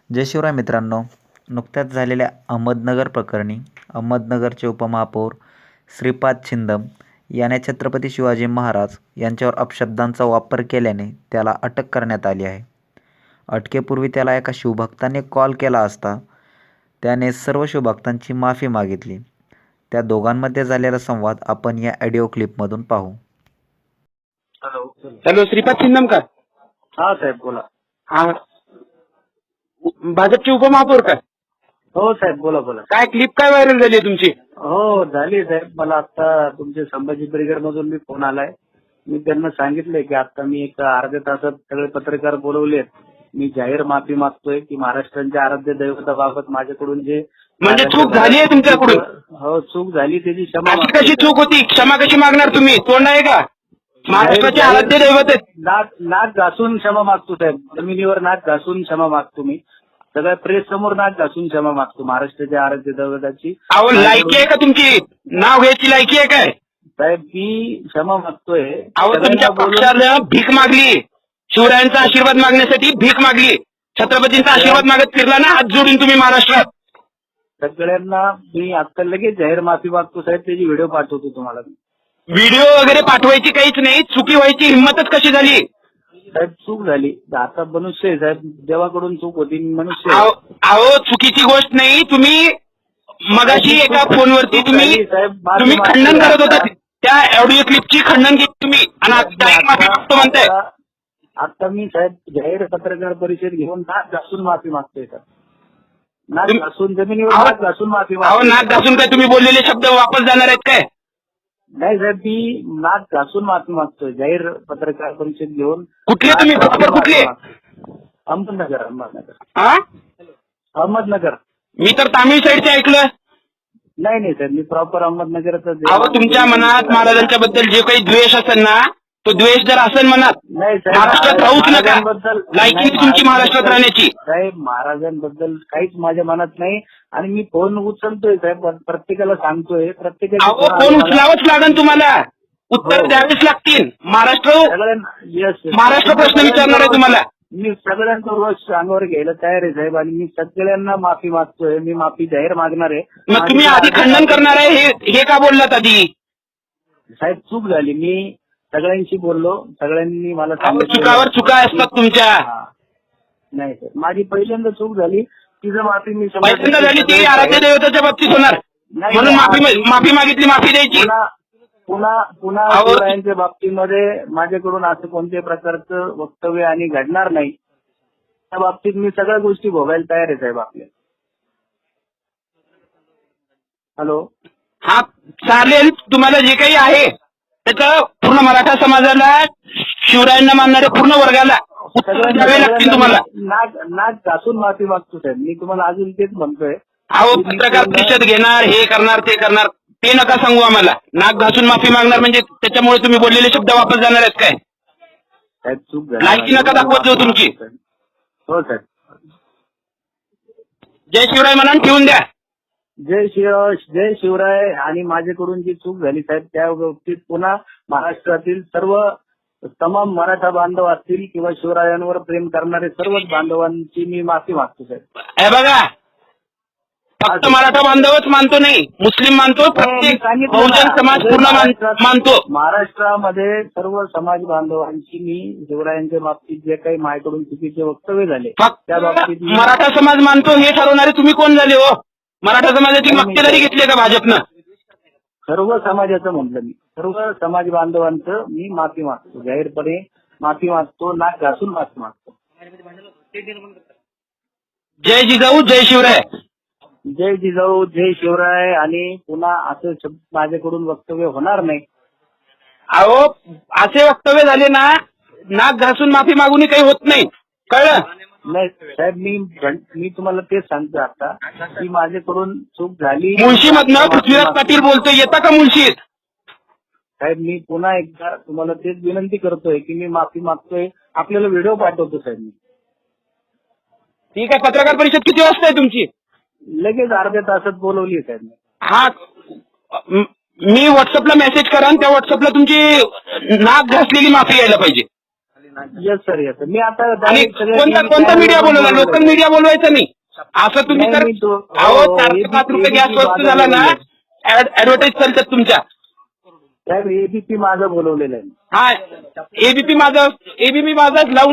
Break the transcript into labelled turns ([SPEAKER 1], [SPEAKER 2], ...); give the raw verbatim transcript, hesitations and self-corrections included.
[SPEAKER 1] जय शिवराय मित्रांनो, नुकत्याच झालेल्या अहमदनगर प्रकरणी अहमदनगरचे उपमहापौर श्रीपाद छिंदम याने छत्रपती शिवाजी महाराज यांच्यावर अपशब्दांचा वापर केल्याने त्याला अटक करण्यात आली आहे. अटकेपूर्वी त्याला एका शिवभक्ताने कॉल केला असता त्याने सर्व शिवभक्तांची माफी मागितली. त्या दोघांमध्ये झालेला संवाद आपण या ऑडिओ क्लिपमधून पाहू.
[SPEAKER 2] हॅलो
[SPEAKER 3] हॅलो, श्रीपाद छिंदम का?
[SPEAKER 2] हा साहेब बोला.
[SPEAKER 3] हा, भाजपचे उपमहापौर का?
[SPEAKER 2] हो साहेब बोला बोला.
[SPEAKER 3] काय क्लिप काय व्हायरल झाली आहे तुमची?
[SPEAKER 2] हो झाली साहेब. मला आता तुमचे संभाजी ब्रिगेड मधून मी फोन आलाय. मी त्यांना सांगितलंय की आता मी एक अर्ध्या तासात सगळे पत्रकार बोलवलेत. मी जाहीर माफी मागतोय की महाराष्ट्राच्या आराध्य दैवताबाबत माझ्याकडून जे
[SPEAKER 3] म्हणजे चूक झाली आहे तुमच्याकडून?
[SPEAKER 2] हो चूक झाली त्याची क्षमा
[SPEAKER 3] अशी
[SPEAKER 2] मागतोय.
[SPEAKER 3] कशी चूक होती? क्षमा कशी मागणार तुम्ही? तोंड आहे का? महाराष्ट्राचे आराध्य दैवत आहेत.
[SPEAKER 2] नाक नाक घासून क्षमा मागतो साहेब. जमिनीवर नाक घासून क्षमा मागतो. मी सगळ्या प्रेस समोर नाक घासून क्षमा मागतो महाराष्ट्राच्या आराध्य दैवताची.
[SPEAKER 3] अहो, लायकी आहे का तुमची? नाव घ्यायची लायकी आहे काय?
[SPEAKER 2] साहेब मी क्षमा मागतोय.
[SPEAKER 3] अहो, तुमच्या पक्षानं भीक मागली, शिवरायांचा आशीर्वाद मागण्यासाठी भीक मागली. छत्रपतींचा आशीर्वाद मागत फिरला ना हात जोडून तुम्ही महाराष्ट्रात.
[SPEAKER 2] सगळ्यांना मी आता लगेच जाहीर माफी मागतो साहेब. त्याची व्हिडिओ पाठवतो तुम्हाला.
[SPEAKER 3] व्हिडिओ वगैरे पाठवायची काहीच नाही. चुकी व्हायची हिंमतच कशी झाली?
[SPEAKER 2] साहेब चूक झाली. आता मनुष्य आहे साहेब. देवाकडून चूक होती. मी मनुष्य आहे.
[SPEAKER 3] अहो अहो, चुकीची गोष्ट नाही. तुम्ही मगाशी एका फोनवरती तुम्ही तुम्ही खंडन करत होता त्या ऑडिओ क्लिपची खंडन केली तुम्ही आणि आता एक माफी मागतो म्हणताय.
[SPEAKER 2] आता आता मी साहेब जाहीर पत्रकार परिषद घेऊन नाक घासून माफी मागतोय सर. नाक
[SPEAKER 3] तुम-
[SPEAKER 2] घासून जमिनीवर
[SPEAKER 3] अहो-
[SPEAKER 2] नाक घासून माफी
[SPEAKER 3] अहो,
[SPEAKER 2] मागतोय.
[SPEAKER 3] नाक घासून काय तुम्ही बोललेले शब्द वापस जाणार आहेत काय?
[SPEAKER 2] नाही साहेब मी नाक घासून माफी मागतोय जाहीर पत्रकार परिषद घेऊन.
[SPEAKER 3] कुठले तुम्ही?
[SPEAKER 2] नाक घासून
[SPEAKER 3] प्रॉपर
[SPEAKER 2] माफी
[SPEAKER 3] कुठले?
[SPEAKER 2] मागतोय. अहमदनगर अहमदनगर
[SPEAKER 3] हा,
[SPEAKER 2] अहमदनगर.
[SPEAKER 3] मी तर तामिळ साईडचे ऐकलं.
[SPEAKER 2] नाही नाही सर मी प्रॉपर अहमदनगरचा.
[SPEAKER 3] अहो, तुमच्या मनात महाराजांच्या बद्दल जे काही द्वेष असेल ना, तो द्वेष जर असेल मनात,
[SPEAKER 2] नाही साहेब
[SPEAKER 3] महाराष्ट्रात राहूच नका.
[SPEAKER 2] महाराजांबद्दल
[SPEAKER 3] लायकी
[SPEAKER 2] नाही,
[SPEAKER 3] तुमची महाराष्ट्रात राहण्याची.
[SPEAKER 2] साहेब महाराजांबद्दल काहीच माझ्या मनात नाही. आणि मी फोन उचलतोय साहेब. प्रत्येकाला सांगतोय.
[SPEAKER 3] अहो,
[SPEAKER 2] प्रत्येकाला
[SPEAKER 3] फोन उचलावंच लागेल तुम्हाला. उत्तर
[SPEAKER 2] हो.
[SPEAKER 3] द्यावेच लागतील. महाराष्ट्र
[SPEAKER 2] सगळ्यांना येस
[SPEAKER 3] महाराष्ट्र प्रश्न विचारणार आहे तुम्हाला.
[SPEAKER 2] मी सगळ्यांचा रोष अंगावर घ्यायला तयार आहे साहेब. आणि मी सगळ्यांना माफी मागतोय. मी माफी जाहीर मागणार आहे.
[SPEAKER 3] मग तुम्ही आधी खंडन करणार आहे हे हे का बोललात आधी?
[SPEAKER 2] साहेब चूक झाली. मी सगळ्यांशी बोललो. सगळ्यांनी मला
[SPEAKER 3] अहो,
[SPEAKER 2] सांगितलं.
[SPEAKER 3] चुकावर चुका असतात तुमच्या.
[SPEAKER 2] हा. नाही सर माझी पहिल्यांदा चूक झाली. तिचं माफी मी शंभर
[SPEAKER 3] पहिल्यांदा
[SPEAKER 2] टक्के
[SPEAKER 3] झाली ती
[SPEAKER 2] सगळ्यांना
[SPEAKER 3] आराध्य दैवताच्या बाबतीत होणार
[SPEAKER 2] नाही,
[SPEAKER 3] म्हणून
[SPEAKER 2] नाही,
[SPEAKER 3] माफी
[SPEAKER 2] आराध्य-
[SPEAKER 3] माफी मागितली, माफी द्यायची.
[SPEAKER 2] पुन्हा पुन्हा पुन्हा
[SPEAKER 3] अहो,
[SPEAKER 2] शिवरायांच्या बाबतीमध्ये माझ्याकडून असं कोणत्याही प्रकारचं वक्तव्य आणि घडणार नाही. त्या बाबतीत मी सगळ्या गोष्टी भोगायला तयार आहे साहेब आपल्या. हॅलो
[SPEAKER 3] हा, चालेल. तुम्हाला जे काही आहे त्याचं पूर्ण मराठा समाजाला, शिवरायांना मानणाऱ्या पूर्ण वर्गाला उत्तर द्यावे लागतील तुम्हाला.
[SPEAKER 2] नाक नाक घासून माफी मागतो साहेब. मी तुम्हाला अजून तेच म्हणतोय.
[SPEAKER 3] अहो, पत्रकार परिषद घेणार, हे करणार, ते करणार, ते नका सांगू आम्हाला. नाक घासून माफी मागणार म्हणजे त्याच्यामुळे तुम्ही बोललेले शब्द वापस जाणार आहेत काय?
[SPEAKER 2] साहेब चूक झाली.
[SPEAKER 3] लायकी नका दाखवत जाऊ तुमची.
[SPEAKER 2] हो साहेब.
[SPEAKER 3] जय शिवराय म्हणून ठेवून द्या.
[SPEAKER 2] जय शिव जय शिवराय. आणि माझ्याकडून जी चूक झाली साहेब त्या बाबतीत पुन्हा महाराष्ट्रातील सर्व तमाम मराठा बांधव असतील किंवा शिवरायांवर प्रेम करणारे सर्वच बांधवांची मी माफी मागतो साहेब.
[SPEAKER 3] हे बघा, फक्त मराठा बांधवच मानतो नाही, मुस्लिम मानतो, प्रत्येक बहुजन समाज पूर्ण मान- मानतो.
[SPEAKER 2] महाराष्ट्रामध्ये सर्व समाज बांधवांची मी शिवरायांच्या बाबतीत जे काही माझ्याकडून चुकीचे वक्तव्य झाले
[SPEAKER 3] फक्त
[SPEAKER 2] त्या बाबतीत मी-
[SPEAKER 3] मराठा समाज मानतो हे ठरवणारे तुम्ही कोण झाले हो? मराठा समाजाची मक्तेदारी घेतली का भाजपनं?
[SPEAKER 2] सर्व समाजाचं म्हटलं मी. सर्व समाज बांधवांचं मी माफी मागतो. जाहीरपणे माफी मागतो. नाक घासून माफी मागतो.
[SPEAKER 3] जय जिजाऊ, जय शिवराय.
[SPEAKER 2] जय जिजाऊ जय शिवराय. आणि पुन्हा असं शब्द माझ्याकडून वक्तव्य होणार नाही.
[SPEAKER 3] अहो, असे वक्तव्य झाले ना, नाक घासून माफी मागूनही काही होत नाही, कळलं?
[SPEAKER 2] नाही साहेब मी मी तुम्हाला तेच सांगतो आता की माझ्याकडून चूक झाली.
[SPEAKER 3] मुळशीमधनं पृथ्वीराज पाटील बोलतोय, येता का मुळशीत?
[SPEAKER 2] साहेब मी पुन्हा एकदा तुम्हाला तेच विनंती करतोय की मी माफी मागतोय. आपल्याला व्हिडिओ पाठवतो साहेब मी.
[SPEAKER 3] ठीक आहे. पत्रकार परिषद किती वाजता आहे तुमची?
[SPEAKER 2] लगेच अर्ध्या तासात बोलवली साहेब मी.
[SPEAKER 3] हा, म- मी व्हॉट्सअपला मेसेज करा आणि त्या व्हॉट्सअपला तुमची नाक घासलेली माफी यायला पाहिजे.
[SPEAKER 2] येस सर येस मी आता
[SPEAKER 3] आणि
[SPEAKER 2] direct सगळ्या
[SPEAKER 3] कोणता
[SPEAKER 2] टीव्ही
[SPEAKER 3] कोणता मीडिया
[SPEAKER 2] चॅनलवर
[SPEAKER 3] बोलवला? लोकल
[SPEAKER 2] बोलवलंय.
[SPEAKER 3] मीडिया बोलवायचं नाही. असं तुम्ही
[SPEAKER 2] नाही,
[SPEAKER 3] तर
[SPEAKER 2] मी तो-
[SPEAKER 3] अहो
[SPEAKER 2] हो,
[SPEAKER 3] चार ते
[SPEAKER 2] एबी-
[SPEAKER 3] पाच रुपये गॅस
[SPEAKER 2] एबीपी
[SPEAKER 3] स्वस्त
[SPEAKER 2] माझा
[SPEAKER 3] झाला ना,
[SPEAKER 2] बोलवलंय.
[SPEAKER 3] ऍडव्हर्टाईज चालतात तुमच्या.
[SPEAKER 2] साहेब एबीपी माझं बोलवलेलं आहे.
[SPEAKER 3] हा एबीपी माझं एबीपी माझं लावून